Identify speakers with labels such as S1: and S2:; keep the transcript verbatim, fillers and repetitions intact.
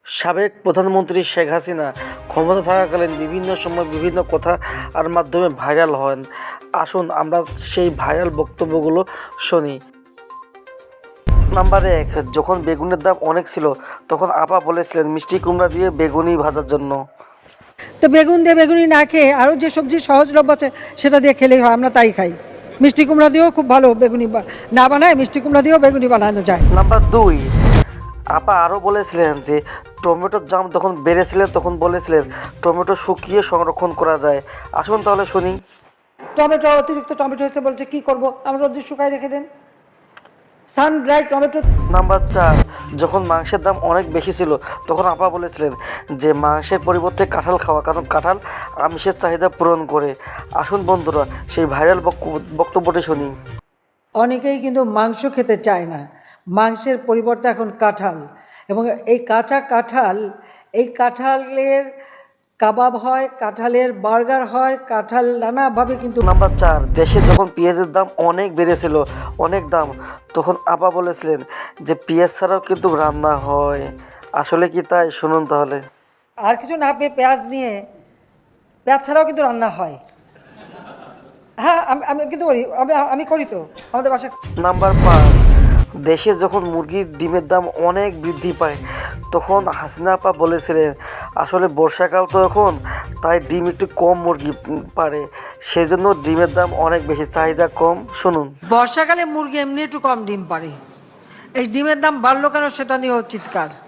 S1: সাবেক প্রধানমন্ত্রী শেখ হাসিনা ক্ষমতা থাকাকালীন বিভিন্ন সময় বিভিন্ন কথা আর মাধ্যমে ভাইরাল হন। আসুন আমরা সেই ভাইরাল বক্তব্যগুলো শুনি। নাম্বার এক, যখন বেগুনের দাম অনেক ছিল তখন আপা বলেছিলেন মিষ্টি কুমড়া দিয়ে বেগুনি ভাজার জন্য।
S2: তো বেগুন দিয়ে বেগুনি না খেয়ে আরও যে সবজি সহজলভ্য আছে সেটা দিয়ে খেলেই হয়, আমরা তাই খাই। মিষ্টি কুমড়া দিয়েও খুব ভালো বেগুনি না বানায়, মিষ্টি কুমড়া দিয়েও বেগুনি বানানো যায়।
S1: নাম্বার দুই, আপা আরও বলেছিলেন যে টমেটোর দাম যখন বেড়েছিলেন তখন বলেছিলেন টমেটো শুকিয়ে সংরক্ষণ করা যায়। আসুন তাহলে শুনি।
S2: টমেটো অতিরিক্ত টমেটো হয়েছে বলছে কি করব, আমরা রোদ্রে শুকাই রেখে দেন সান ড্রাই টমেটো।
S1: নাম্বার চার, যখন মাংসের দাম অনেক বেশি ছিল তখন আপা বলেছিলেন যে মাংসের পরিবর্তে কাঁঠাল খাওয়া, কারণ কাঁঠাল আমিষের চাহিদা পূরণ করে। আসুন বন্ধুরা সেই ভাইরাল বক্তব্যটি শুনি।
S2: অনেকেই কিন্তু মাংস খেতে চায় না, মাংসের পরিবর্তে এখন কাঁঠাল, এবং এই কাঁচা কাঁঠাল, এই কাঁঠালের কাবাব হয়, কাঁঠালের বার্গার হয়, কাঁঠাল নানাভাবে কিন্তু।
S1: নাম্বার চার, দেশে যখন পেঁয়াজের দাম অনেক বেড়েছিল, অনেক দাম, তখন আপা বলেছিলেন যে পেঁয়াজ ছাড়াও কিন্তু রান্না হয়। আসলে কি তাই? শুনুন তাহলে।
S2: আর কিছু না পেয়ে পেঁয়াজ নিয়ে, পেঁয়াজ ছাড়াও কিন্তু রান্না হয়। হ্যাঁ, আমি আমি কিন্তু করি, আমি আমি করি তো আমাদের বাসায়।
S1: নাম্বার পাঁচ, দেশে যখন মুরগির ডিমের দাম অনেক বৃদ্ধি পায় তখন হাসিনা আপা বলেছিলেন আসলে বর্ষাকাল তো এখন, তাই ডিম একটু কম মুরগি পারে, সেই জন্য ডিমের দাম অনেক বেশি, চাহিদা কম। শুনুন।
S2: বর্ষাকালে মুরগি এমনি একটু কম ডিম পারে, এই ডিমের দাম বাড়লো কেন সেটা নিয়েও চিৎকার।